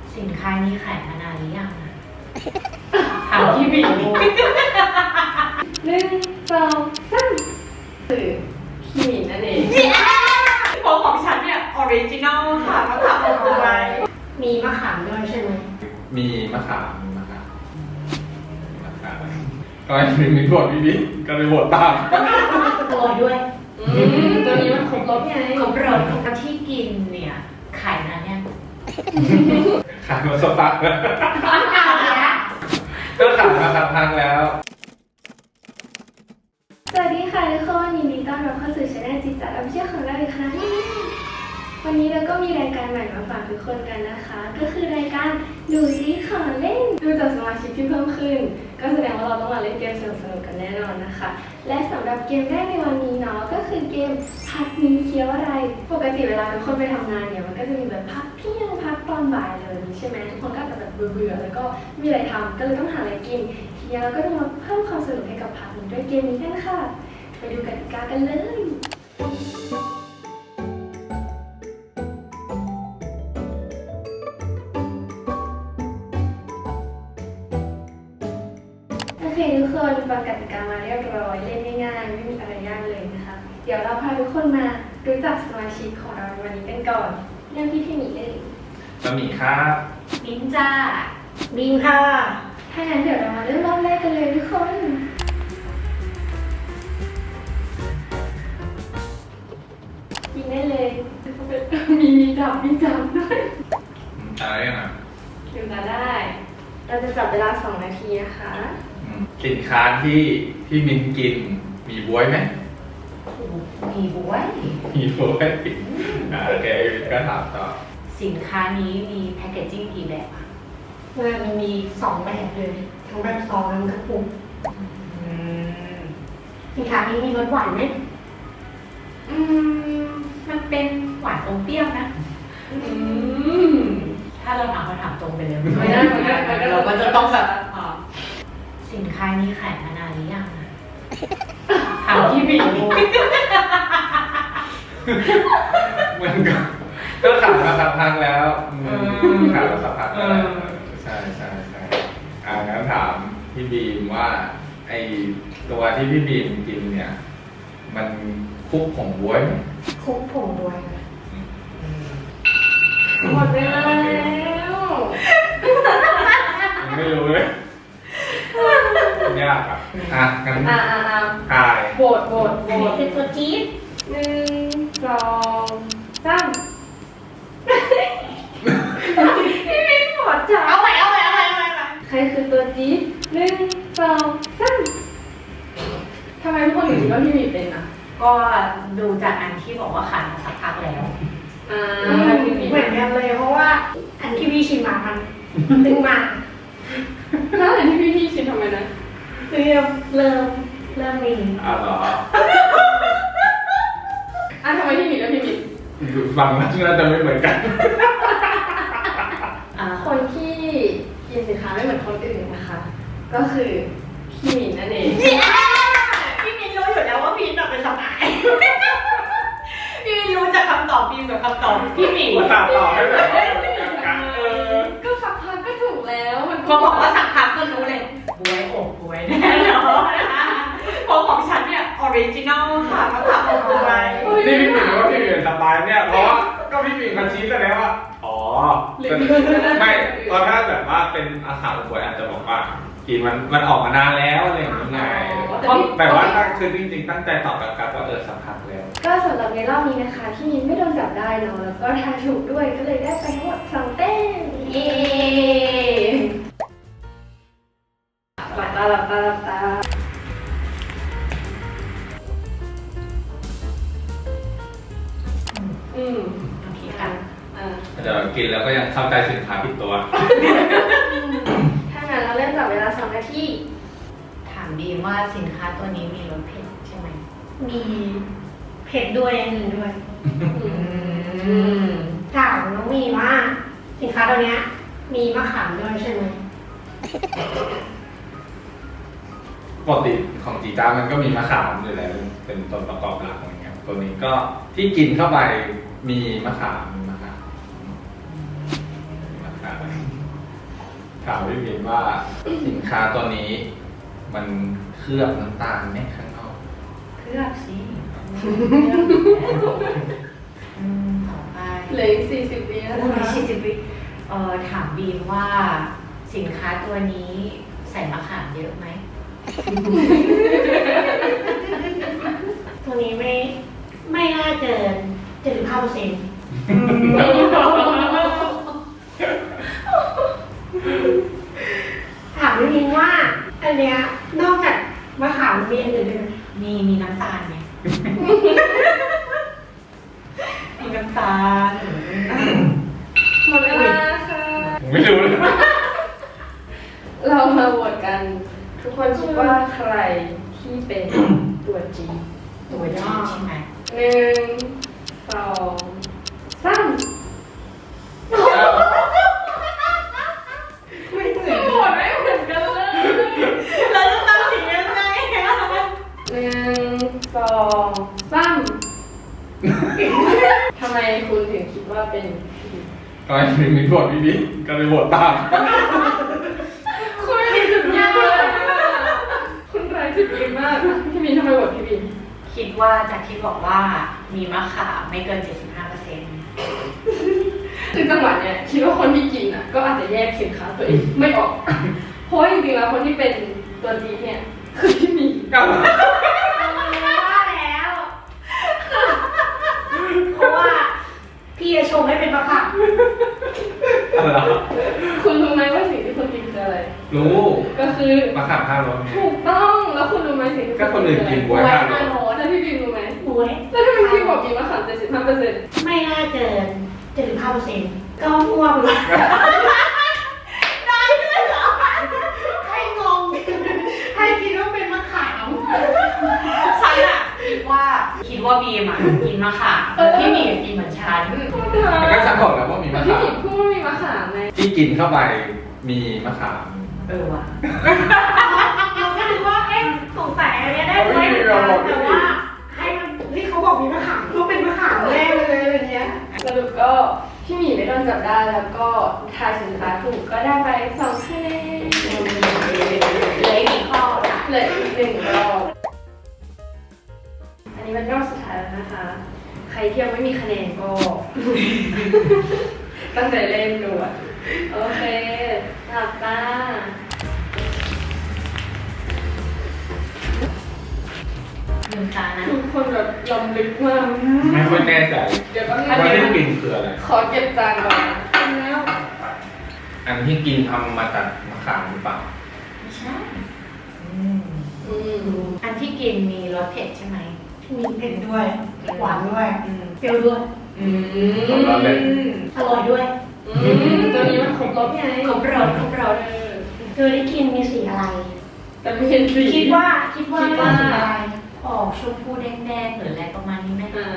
สินค้านี้ขายมานานหรือยังอะถามพี่บิ๊ก 1 2 3คือพี่หมินนั่นเองเพราะของฉันเนี่ยออริจินอลค่ะมะขามอบกล้วยมีมะขามด้วยใช่ไหมมีมะขามก็มีบทพี่บิ๊กก็เลยบทตามโรยด้วยตัวนี้มันครบรสไงครบรสของที่กินเนี่ยขายนานเนี่ยขายมาสักพักแล้วร้อนเก่าเลยนะก็ขายมาสักพักแล้วสวัสดีค่ะทุกคนยินดีต้อนรับเข้าสู่ช่องจิตจัดอภิเชษของเราอีกครั้งวันนี้เราก็มีรายการใหม่มาฝากทุกคนกันนะคะ ก็คือรายการดูซิขอเล่นดูจากสมาชิกที่เพิ่มขึ้น ก็แสดงว่าเราต้องมาเล่นเกมสนุกๆกันแน่นอนนะคะ และสำหรับเกมแรกในวันนี้เนาะก็คือเกมพักนี้เคี้ยวอะไรปกติเวลาทุกคนไปทำงานเนี่ยมันก็จะมีแบบพักเที่ยงพักตอนบ่ายเลยใช่ไหมทุกคนก็อาจจะแบบเบื่อๆแล้วก็ไม่มีอะไรทำก็เลยต้องหาอะไรกินทีนี้เราก็จะมาเพิ่มความสนุกให้กับพักนี้ด้วยเกมนี้กันค่ะไปดูกติกากันเลยโอเคทุกคนฟังกติกามาเรียบร้อยเล่นง่ายๆไม่มีอะไรยากเลยนะคะเดี๋ยวเราพาทุกคนมารู้จักสมาชิกของเราในวันนี้กันก่อนเริ่มที่พี่หมีเลยบะหมี่ครับมิ้นจ้าบีมค่ะถ้างั้นเดี๋ยวเรามาเริ่มรอบแรกกันเลยทุกคนยิงได้เลยมีจับด้วยอะไรนะลืมตาได้ เราจะจับเวลา2 นาทีนะคะสินค้าที่พี่มินกินมีบ๊วยไหมมีบวยมีบ๊วยโอเคก็ถามต่อสินค้านี้มีแพคเกจจิ้งกี่แบบอะมันมี2 แบบเลยทั้งแบบซองทั้งกระปุกสินค้านี้มีรสหวานไหมมันเป็นหวานอมเปรี้ยวนะ ถ้าเราถามคำถามตรงไปเลยไม่ได้เราก็จะต้องแบบสินค้านี้ขายมานานหรือยังอะถามพี่บิ๊กมันก็ขายมาสักพักแล้วขายมาสักพักแล้วใช่งั้นถามพี่บีมว่าไอตัวที่พี่บีมกินเนี่ยมันคลุกผงบ๊วยไหมคุกผงด้วยหมดเวลาแล้วไม่รู้เลยยากงั้นทายโหวตคือตัวจี๊ด 1 2 3พี่มิ้นหมดจ้ะเอาใหม่ใครคือตัวจี๊ด1 2 3ทำไมทุกคนถึงคิดว่าพี่มิ้นเป็นอ่ะก็ดูจากอันที่บอกว่าขายมาสักพักแล้วเหมือนกันเลยเพราะว่าอันที่พี่ชิมมามันดึงมาแล้วอันที่พี่ชิมทำไมนะเริ่มมีเหรอทำไมพี่มิ้นแล้วพี่มิ้นฟังแล้วน่าจะไม่เหมือนกันคนที่กินสินค้าไม่เหมือนคนอื่นนะคะ ก็คือพี่มิ้นนั่นเองพี่มินรู้อยู่แล้วว่าพี่มินเป็นสมัยพี่มินรู้จากคำตอบพี่กับคำตอบพี่หมิงมาตามต่อให้แบบว่ากันก็สักพักก็ถูกแล้วมันพอบอกว่าสักพักก็รู้เลยบวยอกบวยแน่นอนนะคะเพราะของฉันเนี่ยออริจินอลค่ะมะขามอบบวยนี่พี่หมิงว่าพี่หมิงสบายเนี่ยเพราะว่าก็พี่หมิงมาชี้แสดงว่าไม่ตอนถ้าแบบว่าเป็นอาหารบวยอาจจะบอกว่ากินมันออกมานานแล้วอะไรอย่างเงี้ยไงแต่ว่าถ้าคือจริงๆตั้งใจตอบกับว่าสักพักแล้วก็สำหรับในรอบนี้นะคะที่มิ้นไม่โดนจับได้เนาะแล้วก็ทายถูกด้วยก็เลยได้ไปทั้งหมด2 แต้มเย้หลับตาโอเคค่ะแต่กินแล้วก็ยังเข้าใจสินค้าผิดตัวถ้างั้นเราเริ่มจับเวลา2 นาทีถามดีว่าสินค้าตัวนี้มีรสเผ็ดใช่ไหมมีเผ็ดด้วยอันหนึ่งด้วยถามน้องมีว่าสินค้าตัวนี้มีมะขามด้วยใช่ไหมปกติของจีจ้ามันก็มีมะขามอยู่แล้วเป็นส่วนประกอบหลักอะไรเงี้ยตัวนี้ก็ที่กินเข้าไปมีมะขามถามพี่บินว่าสินค้าตัวนี้ มันเคลือบน้ำตาลไหมข้างนอกเคลือบสิต่อไปเหลืออีก40 วินะโอ้ยคะ 40 วิถามบีมว่าสินค้าตัวนี้ใส่มะขามเยอะไหมตัวนี้ไม่น่าเกิน75%ถามนิดนึงว่าอันเนี้ยนอกจากมะขามมีอันอื่นด้วยไหมมีน้ำตาลไหม มีน้ำตาลหมดเวลาค่ะผมไม่รู้เลยเรามาโหวตกัน ทุกคนคิดว่าใครที่เป็นตัวจริงตัวจริงใช่ไหม 1 2 3 ไม่เหมือนโหวตไม่เหมือนกันเลยเราจะตัดสินยังไงอะ 1 2 3ทำไมคุณถึงคิดว่าเป็นพี่ตอนนี้มีบทพี่บินก็เลยบทตามคุณมีจุดยืนมากคุณไร้จุดยืนมากพี่บินทำไมโหวตพี่บินคิดว่าจากที่บอกว่ามีมะขามไม่เกิน 75% คือจังหวะเนี้ยคิดว่าคนที่กินอ่ะก็อาจจะแยกสินค้าตัวเองไม่ออก เพราะว่าจริงๆแล้วคนที่เป็นตัวจีเนี่ยคือพี่มีว่าแล้ว เพราะว่าพี่จะชงให้เป็นมะขามอะไรคุณรู้ไหมว่าสิ่งที่คุณกินคืออะไรรู้ก็คือมะขามข้าวรสไงถูกต้องแล้วคุณรู้ไหมสิ่งที่ก็คนอื่นกินบ๊บ๊วยข้าวรสแล้วพี่บินรู้ไหมบวยแล้วทำไมพี่บอกมีมะขาม75% ไม่น่าเกิน75%ก็มั่วไปเลยได้ด้วยเหรอให้งงให้คิดว่าเป็นมะขามฉันอะคิดว่าบีมอะกินมะขามพี่หมีกินเหมือนฉันแต่ก็ฉันบอกแล้วว่ามีมะพี่ขามบินพูดว่ามีมะขามไงที่กินเข้าไปมีมะขามว่ะเราก็นึกว่าเอ๊ะสงสัยอันเนี้ยได้ไหมเหมือนกันแต่ว่าให้มันที่เขาบอกมีมะขามก็เป็นมะขามแน่เลยอะไรเงี้ยสรุปก็พี่หมีไม่โดนจับได้แล้วก็ทายสินค้าถูกก็ได้ไป2 คะแนนเหลืออีกกี่ข้อจ้ะเหลืออีก1 รอบ อันนี้เป็นรอบสุดท้ายแล้วนะคะ ใครที่ยังไม่มีคะแนนก็ ตั้งใจเล่นดูอ่ะโอเคหลับตาลืมตานะทุกคนแบบลำลึกมากไม่ค่อยแน่ใจเดี๋ยวแป๊บนึงว่าที่กินคืออะไรขอเก็บจานก่อนแล้วอันที่กินทำมาจากมะขามหรือเปล่าไม่ใช่อืมอันที่กินมีรสเผ็ดใช่ไหมมีเผ็ดด้วย หวานด้วย เปรี้ยวด้วยของเราเลยอร่อยด้วยตัวนี้มันครบรสไงครบรสครบรสเธอได้กินมีสีอะไรแต่ไม่เห็นสีคิดว่าสีอะไรออกชมพูแดงๆหรืออะไรประมาณนี้ไหมอ่า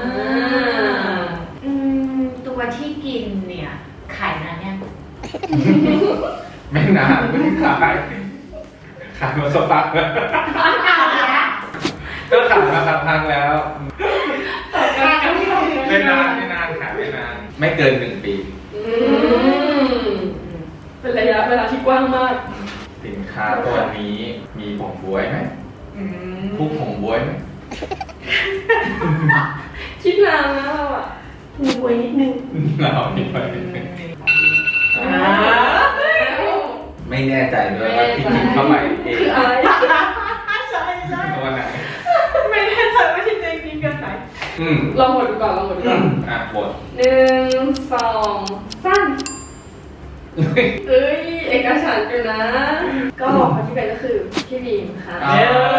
ตัวที่กินเนี่ยขายนานเนี่ยงไม่นานเพิ่งขายมาสักพักแล้วเอาแล้วก็ขายมาสักพักแล้วการที่เราไม่นานขายไม่นาน ไม่เกิน1 ปีอืมเป็นระยะเวลาที่กว้างมากสินค้าตัวนี้มีผงบ๊วยไหมผู้ผงบ๊วยไหมคิดนานนะเราอ่ะมีบวยนิดนึงเราไม่ไปไม่แน่ใจด้วยว่าที่กินเข้าไปเองคืออะไรใช่ใช่ตัวไหนไม่แน่ใจว่าที่เจกินกันไหนลองหมดดูก่อนลองหมดดูก่อนอ่ะบท 1 2 3เอ้ยเอกฉันท์อยู่นะ ก็คนที่เป็นก็คือพี่บีมค่ะอ่า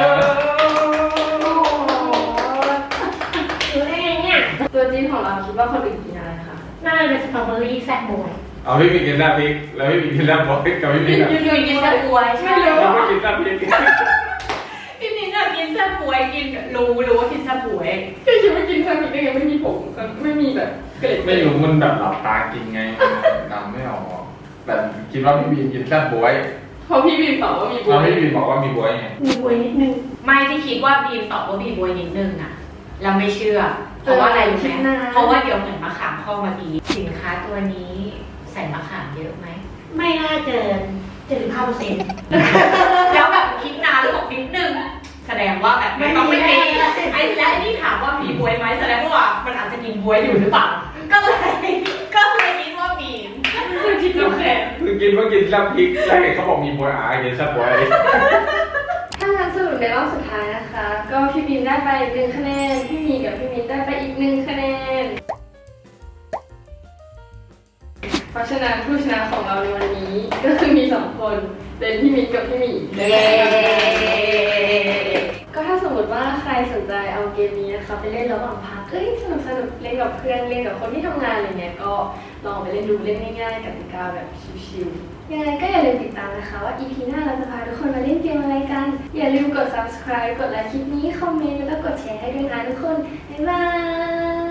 รู้ได้ไงเนี่ยตัวจริงของเราคิดว่าคนอื่นกินอะไรคะน่าจะเป็นสตรอเบอรี่แซ่บบวยเอาพี่มีกินลาบพริกแล้วพี่มีกินลาบบอยกับพี่มีแบบอยู่ๆกินแซ่บวยใช่ไหมเราไม่กินลาบพริกพี่มิ้นอะกินแซ่บวยกินรู้ว่ากินแซ่บวยพี่คิดว่ากินแซนด์วิชได้ไงไม่มีผงไม่มีแบบเกล็ดไม่รู้มันแบบหลับตากินไงมันนำไม่ออกแต่คิดว่าพี่บีมกินแซ่บบวยเพราะพี่บีมตอบว่ามีบุแล้วพี่บีมบอกว่ามีบวยไงมีบวยนิดนึงไม่ที่คิดว่าบีมตอบว่าบีบวยนิดนึงอะเราไม่เชื่อ เพราะว่าอะไรรู้ไหมเพราะว่าเดี๋ยวเหมือนมะขามข้อเมื่อกี้สินค้าตัวนี้ใส่มะขามเยอะไหมมไม่น่าเกิน75% แล้วแบบคิดนานแล้วบอกนิดนึงแสดงว่าแบบไม่ต้องไม่มีไอ้และไอ้นี่ถามว่ามีบวยไหมแสดงว่ามันอาจจะกินบวยอยู่หรือเปล่าก็เลยคิดว่ามีคือคิดโอเคคือกินว่ากินแล้วพริกแล้วเห็นเขาบอกมีบวยกินแซ่บบวยถ้างั้นสรุปในรอบสุดท้ายนะคะ ก็พี่บีมได้ไป1คะแนนพี่มีกับพี่มิ้นได้ไปอีก1คะแนนเพราะฉะนั้นผู้ชนะของเราในวันนี้ก็คือมี2คนเป็นพี่มิ้นกับพี่หมีเย้ก็ถ้าสมมติว่าใครสนใจเอาเกมนี้นะคะไปเล่นระหว่างพักสนุกเล่นกับเพื่อนเล่นกับคนที่ทำงานอะไรเงี้ยก็ลองไปเล่นดูเล่นง่ายๆกติกาแบบชิวๆยังไงก็อย่าลืมติดตามนะคะว่า EP หน้าเราจะพาทุกคนมาเล่นเกมอะไรกันอย่าลืมกด subscribe กดไลค์คลิปนี้คอมเมนต์แล้วก็กดแชร์ให้ด้วยนะทุกคนบ๊ายบาย